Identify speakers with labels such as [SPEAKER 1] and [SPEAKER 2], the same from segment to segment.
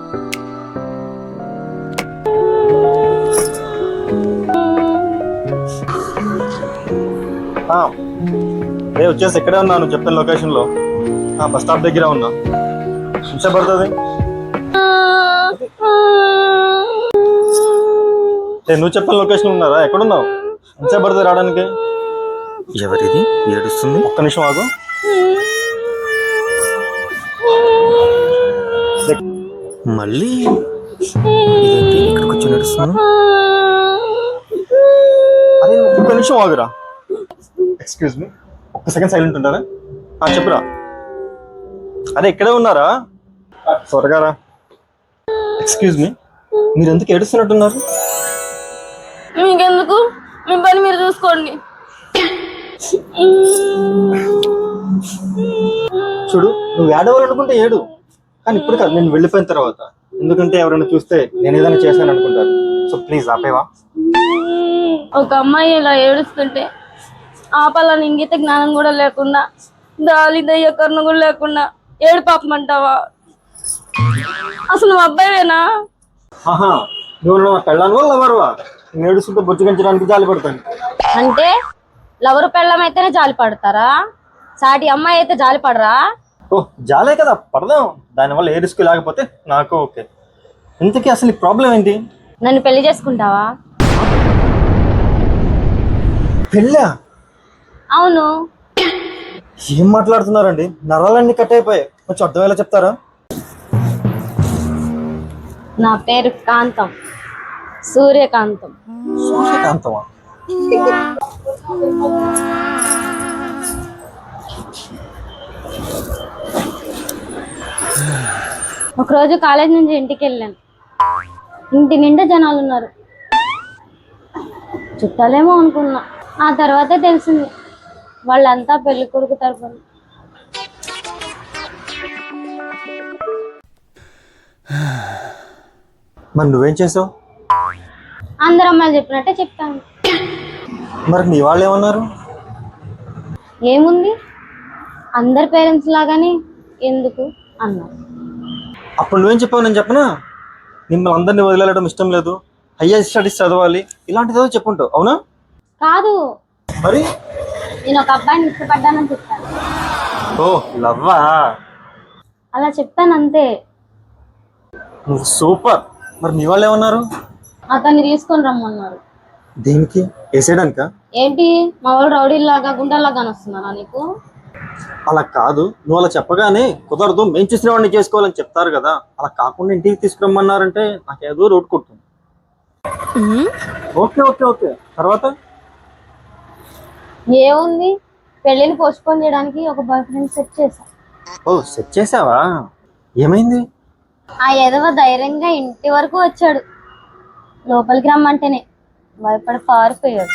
[SPEAKER 1] వచ్చేసి ఇక్కడే ఉన్నా, నువ్వు చెప్పిన లొకేషన్ లో. బస్ స్టాప్ దగ్గర ఉన్నా. ఎంత పడుతుంది? నువ్వు చెప్పిన లొకేషన్ ఉన్నారా? ఎక్కడున్నావు? ఎంత పడుతుంది రావడానికి?
[SPEAKER 2] ఎవరిది ఏడుస్తుంది?
[SPEAKER 1] ఒక్క నిమిషం ఆగు.
[SPEAKER 2] మళ్ళీ ఇదేంటి ఇక్కడికి వచ్చి నడుస్తున్నాను?
[SPEAKER 1] అరే ఒక్క నిమిషం ఆగురా. ఎక్స్క్యూజ్ మీ, ఒక్క సెకండ్ సైలెంట్ ఉంటారా? చెప్పురా. అరే ఇక్కడే ఉన్నారా? త్వరగా రా. ఎక్స్క్యూజ్ మీ, మీరు ఎందుకు ఏడుస్తున్నట్టున్నారు?
[SPEAKER 3] మీకెందుకు, మీ పని మీరు చూసుకోండి.
[SPEAKER 1] చూడు, నువ్వు ఏడవాలనుకుంటే ఏడు, కానీ ఇప్పుడు కాదు, నేను వెళ్ళిపోయిన తర్వాత. ఎందుకంటే ఎవరైనా చూస్తే నేను ఏదైనా చేశాను అనుకుంటారు. సో ప్లీజ్ ఆపేవా?
[SPEAKER 3] ఒక అమ్మాయి ఇలా ఏడుస్తుంటే ఆపాలని ఇంగిత జ్ఞానం కూడా లేకుండా, దాలి దయ్య కరుణ కూడా లేకుండా ఏడు పాపం అంటావా? అసలు నువ్వు అబ్బాయివేనా?
[SPEAKER 1] నువ్వు నా పెళ్ళాను లవర్వా? నేను ఏడుస్తుంటే బొచ్చుగించడానికి జాలి పడతాను.
[SPEAKER 3] అంటే లవరు పెళ్ళం అయితేనే జాలి పడతారా? సాటి అమ్మాయి అయితే జాలి పడరా?
[SPEAKER 1] జాలే కదా, పడదాం. దానివల్ల ఏ రిస్క్ లేకపోతే నాకు ఓకే. ఇంతకీ అసలు ప్రాబ్లం ఏంటి?
[SPEAKER 3] నన్ను పెళ్లి చేసుకుంటావా?
[SPEAKER 1] పెళ్ళా?
[SPEAKER 3] అవును.
[SPEAKER 1] ఏం మాట్లాడుతున్నారండి? నరాలన్నీ కట్ అయిపోయాయి. కొంచెం అర్థమయ్యేలా చెప్తారా?
[SPEAKER 3] నా పేరు కాంతం, సూర్యకాంతం.
[SPEAKER 1] సూర్యకాంతమా?
[SPEAKER 3] ఒకరోజు కాలేజ్ నుంచి ఇంటికి వెళ్ళాను. ఇంటి నిండా జనాలు ఉన్నారు. చుట్టాలేమో అనుకున్నా. ఆ తర్వాతే తెలిసింది వాళ్ళంతా పెళ్లి కొడుకు తరపున.
[SPEAKER 1] మరి నువ్వేం చేసావు?
[SPEAKER 3] అందరు అమ్మాయిలు చెప్పినట్టే చెప్తాను.
[SPEAKER 1] మరి నీ వాళ్ళు ఏమన్నారు?
[SPEAKER 3] ఏముంది, అందరి పేరెంట్స్ లాగానే ఎందుకు అన్నారు.
[SPEAKER 1] అప్పుడు నువ్వేం చెప్పావు? నేను చెప్పనా? మిమ్మల్ని అందరినీ వదిలేయడం ఇష్టం లేదు, హయ్యర్ స్టడీస్ చదవాలి, ఇలాంటిది ఏదో చెప్పుంటావు. అవునా?
[SPEAKER 3] కాదు,
[SPEAKER 1] మరి
[SPEAKER 3] నేను ఒక అబ్బాయిని ఇష్టపడ్డానని చెప్తాను.
[SPEAKER 1] ఓ లవ్వా?
[SPEAKER 3] అలా చెప్తాను అంతే.
[SPEAKER 1] నువ్వు సూపర్. మరి మీ వాళ్ళు ఏమన్నారు?
[SPEAKER 3] అతన్ని తీసుకొని రమ్మన్నారు.
[SPEAKER 1] దేనికి? వేసేయడానికా?
[SPEAKER 3] ఏంటి, మా వాళ్ళు రౌడీలాగా గుండాలాగా వస్తున్నారా నీకు?
[SPEAKER 1] అలా కాదు, నువ్వు అలా చెప్పగానే కుదరదు, మేము చూసిన వాడిని చేసుకోవాలని చెప్తారు కదా. అలా కాకుండా ఇంటికి తీసుకురమ్మన్నారంటే నాకేదో రోడ్ కొడుతుంది. ఓకే ఓకే ఓకే, తర్వాత
[SPEAKER 3] ఏముంది, పెళ్లిని పోస్ట్పోన్ చేయడానికి ఒక బాయ్ ఫ్రెండ్ సెట్ చేశా.
[SPEAKER 1] ఓ సెట్ చేసావా? ఏమైంది?
[SPEAKER 3] ఆ ఎదవ ధైర్యంగా ఇంటి వరకు వచ్చాడు. లోపలికి రమ్మంటేనే భయపడి పారిపోయాడు.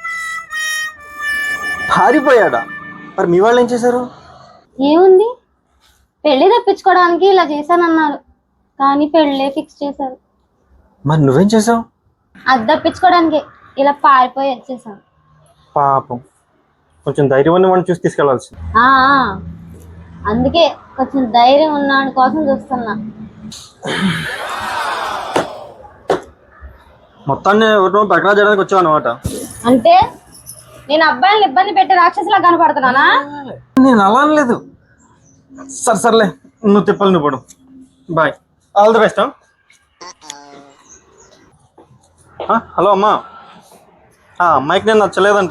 [SPEAKER 1] పారిపోయాడా? మరి మీ వాళ్ళు ఏం చేశారు?
[SPEAKER 3] ఏముంది, పెళ్లి తప్పించుకోవడానికి ఇలా చేశానన్నారు, కానీ పెళ్ళే ఫిక్స్ చేశారు.
[SPEAKER 1] మరి నువ్వేం చేసావు?
[SPEAKER 3] అది తప్పించుకోవడానికి ఇలా పారిపోయి వచ్చేసాను.
[SPEAKER 1] పాపం, కొంచెం ధైర్యం ఉన్న వాడిని చూసి తీసుకెళ్లాల్సి.
[SPEAKER 3] అందుకే కొంచెం ధైర్యం ఉన్నాడు కోసం చూస్తున్నా.
[SPEAKER 1] మొత్తాన్ని ఎవరినో బకరా చేయడానికి వచ్చావు అనమాట.
[SPEAKER 3] అంటే నేను అబ్బాయిని ఇబ్బంది పెట్టే రాక్షసులా కనపడుతున్నానా?
[SPEAKER 1] నేను అలా అనలేదు. సర్లే, నువ్వు తిప్పాలి, నువ్వు పడు. Bye, all the best. Hello అమ్మా, అమ్మాయికి నేను నచ్చలేదంట.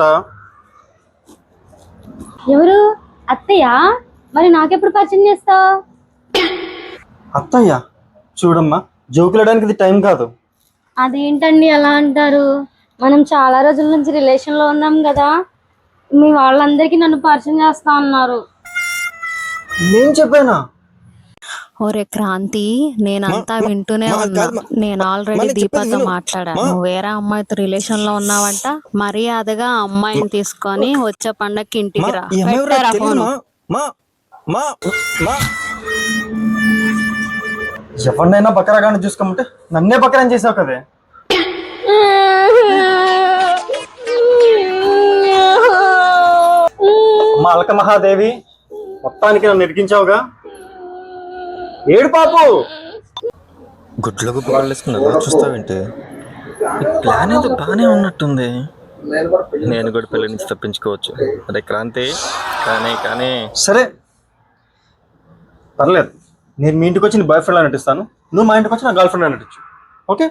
[SPEAKER 3] ఎవరు? అత్తయ్య? మరి నాకెప్పుడు పరిచయం చేస్తావు?
[SPEAKER 1] అత్తయ్య? చూడమ్మా, జోకులేయడానికి ఇది టైం కాదు.
[SPEAKER 3] అదేంటండి అలా అంటారు? మనం చాలా రోజుల నుంచి రిలేషన్ లో ఉన్నాం కదా. మీ వాళ్ళందరికీ నన్ను పరిచయం చేస్తా అన్నారు.
[SPEAKER 1] నేను చెప్పానా?
[SPEAKER 4] ఒరే క్రాంతి, నేనంతా వింటూనే ఉన్నా. నేను ఆల్రెడీ దీపాతో మాట్లాడాను. నువ్వు వేరే అమ్మాయితో రిలేషన్ లో ఉన్నావంట. మర్యాదగా అమ్మాయిని తీసుకొని వచ్చే పండక్కి ఇంటికి రా. పెట్టారా ఫోను?
[SPEAKER 1] ఎవరినైనా బకరాగానే చూసుకోమంటే నన్నే బకరాని చేసావు కదే. అమ్మ అలక మహాదేవి, మొత్తానికి నన్ను ఇరికించావుగా. ఏడు పాపు.
[SPEAKER 2] గుడ్ల గుప్ప కళ్ళేసుకుని ఎలా చూస్తావేంటి? ఈ ప్లాన్ ఏదో బాగానే ఉన్నట్టుంది. నేను కూడా పెళ్లి నుంచి తప్పించుకోవచ్చు. అదే క్రాంతి, కానీ
[SPEAKER 1] సరే పర్లేదు, నేను మీ ఇంటికి వచ్చి నీ బాయ్ ఫ్రెండ్ అని నటిస్తాను, నువ్వు మా ఇంటికి వచ్చి నా గర్ల్ ఫ్రెండ్ అని నటించు. ఓకే?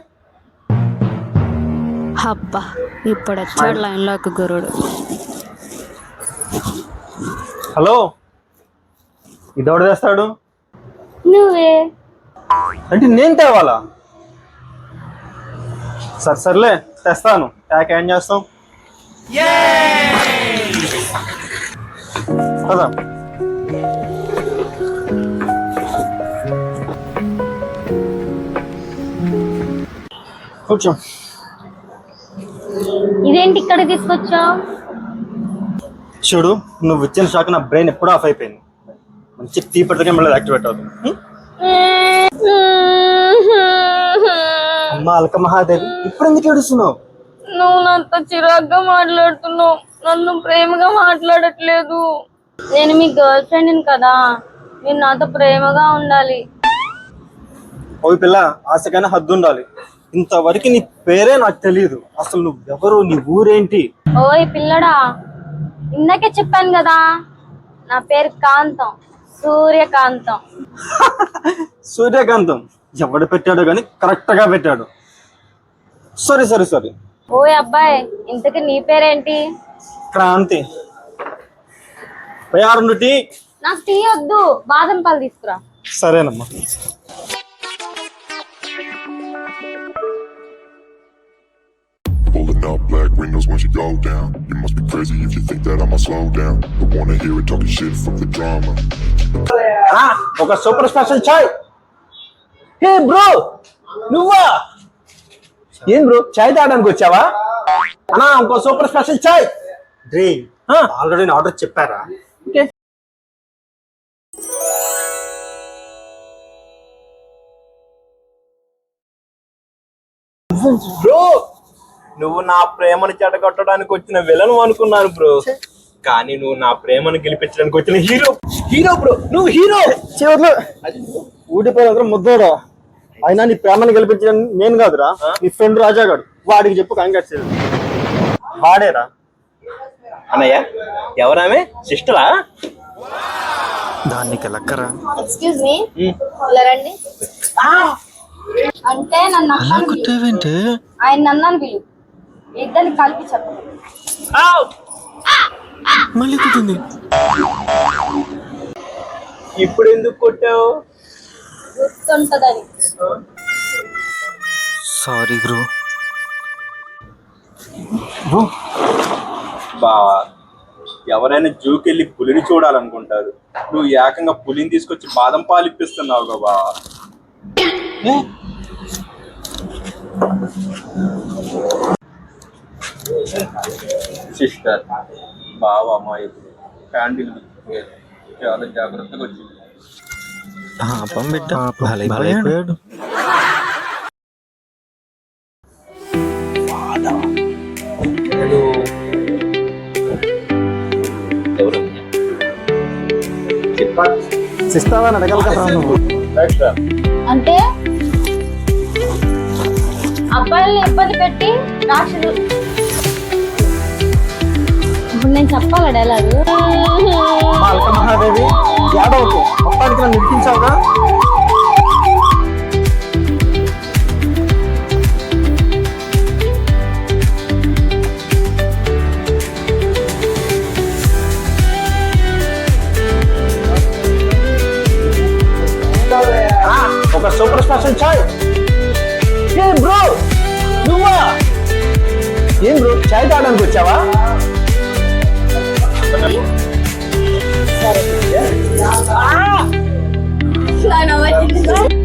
[SPEAKER 4] అబ్బా ఇప్పుడు వచ్చాడు లైన్లోకి గురుడు.
[SPEAKER 1] హలో, ఇదెవడు చేస్తాడు?
[SPEAKER 3] నువ్వే.
[SPEAKER 1] అంటే నేను తేవాలా? సర్లే తెస్తాను. ట్యాక్ ఏం చేస్తాం కదా. కూర్చో.
[SPEAKER 3] ఇదేంటి ఇక్కడ తీసుకొచ్చావు?
[SPEAKER 1] చూడు, నువ్వు ఇచ్చిన షాక్ నా బ్రెయిన్ ఎప్పుడూ ఆఫ్ అయిపోయింది. మంచి టీ పడితే మళ్ళీ యాక్టివేట్ అవుతుంది. అమ్మ అల్క మహాదేవి, ఇప్పుడు ఎందుకు ఏడుస్తున్నావు?
[SPEAKER 3] నువ్వు నాతో చిరాగ్గా మాట్లాడుతున్నావు, నన్ను ప్రేమగా మాట్లాడట్లేదు. నేను మీ గర్ల్ ఫ్రెండ్ కదా, మీరు నాతో ప్రేమగా ఉండాలి.
[SPEAKER 1] ఓ పిల్ల, ఆశకైనా హద్దు ఉండాలి. ఇంతవరకు నీ పేరే నాకు తెలియదు. అసలు నువ్వు ఎవరు, నీ ఊరేంటి?
[SPEAKER 3] ఓయ్ పిల్లడా, ఇందాకే చెప్పాను కదా, నా పేరు కాంతం, సూర్యకాంతం.
[SPEAKER 1] సూర్యకాంతం ఎవడు పెట్టాడో కానీ కరెక్ట్ గా పెట్టాడు. సారీ.
[SPEAKER 3] ఓయ్ అబ్బాయి, ఇంతకీ నీ పేరేంటి?
[SPEAKER 1] క్రాంతి. 2 టీ.
[SPEAKER 3] నాకు టీ వద్దు, బాదం పాలు తీసుకురా.
[SPEAKER 1] సరేనమ్మా.
[SPEAKER 5] Pulling up black windows when she go down. You must be crazy if you think that I'ma slow down. Don't wanna hear it talking shit from the drama.
[SPEAKER 1] ఒక super special chai. Hey bro, నువ్వా? ఏం bro, chai తాగడానికి వచ్చావా? అన్నా ఇంకో super special chai. Already order చెప్పారా?
[SPEAKER 6] Bro, నువ్వు నా ప్రేమను చెడగొట్టడానికి వచ్చిన విలన్ అనుకున్నాను బ్రో, కానీ నువ్వు నా ప్రేమను గెలిపించడానికి వచ్చిన హీరో బ్రో. నువ్వు హీరో.
[SPEAKER 1] చివర్లో ఊడిపోయిన ముద్దోడా. అయినా నీ ప్రేమను గెలిపించడం నేను కాదురా, నీ ఫ్రెండ్ రాజా గారు. వాడికి చెప్పు కంగ్రాట్స్. వాడేరా.
[SPEAKER 6] అన్నయ్య, ఎవరామె? సిస్టరా?
[SPEAKER 2] దానికి లక్కరా.
[SPEAKER 3] ఎక్స్క్యూజ్ మీ, రండి. అంటే నన్ను
[SPEAKER 2] అలా కుట్టావేంటి?
[SPEAKER 3] ఆయన నన్నాను పిలు, ఇద్దరిని కలిపి చెప్పు.
[SPEAKER 2] మళ్ళీ కుట్టింది.
[SPEAKER 6] ఇప్పుడు ఎందుకు కొట్టావు?
[SPEAKER 3] గుర్తుంటదని.
[SPEAKER 2] Sorry bro.
[SPEAKER 6] బావా, ఎవరైనా జూకెళ్ళి పులిని చూడాలనుకుంటారు, నువ్వు ఏకంగా పులిని తీసుకొచ్చి బాదం పాలు ఇప్పిస్తున్నావు గా బావా. సిస్టర్, బావ అమ్మాయి క్యాండిల్ చాలా జాగ్రత్తగా వచ్చింది.
[SPEAKER 2] పాపం బిడ్డ భలైపోయాడు.
[SPEAKER 6] ఎవరు
[SPEAKER 1] సిస్తావా అని అడగాలి కదా నువ్వు.
[SPEAKER 3] అంటే అబ్బాయిల్ని ఇబ్బంది పెట్టి రాక్షసు. ఇప్పుడు నేను చెప్పాలా డైలాగు?
[SPEAKER 1] మా అల్క మహాదేవి, యాదవ్కు మొత్తానికి నన్ను ఇరికించావుగా. ఒక సూపర్ స్పెషల్ చాయ్. ఏ బ్రో, నువ్వా? ఏం బ్రో, చాయ్ తాగడానికి వచ్చావా?
[SPEAKER 3] సరే.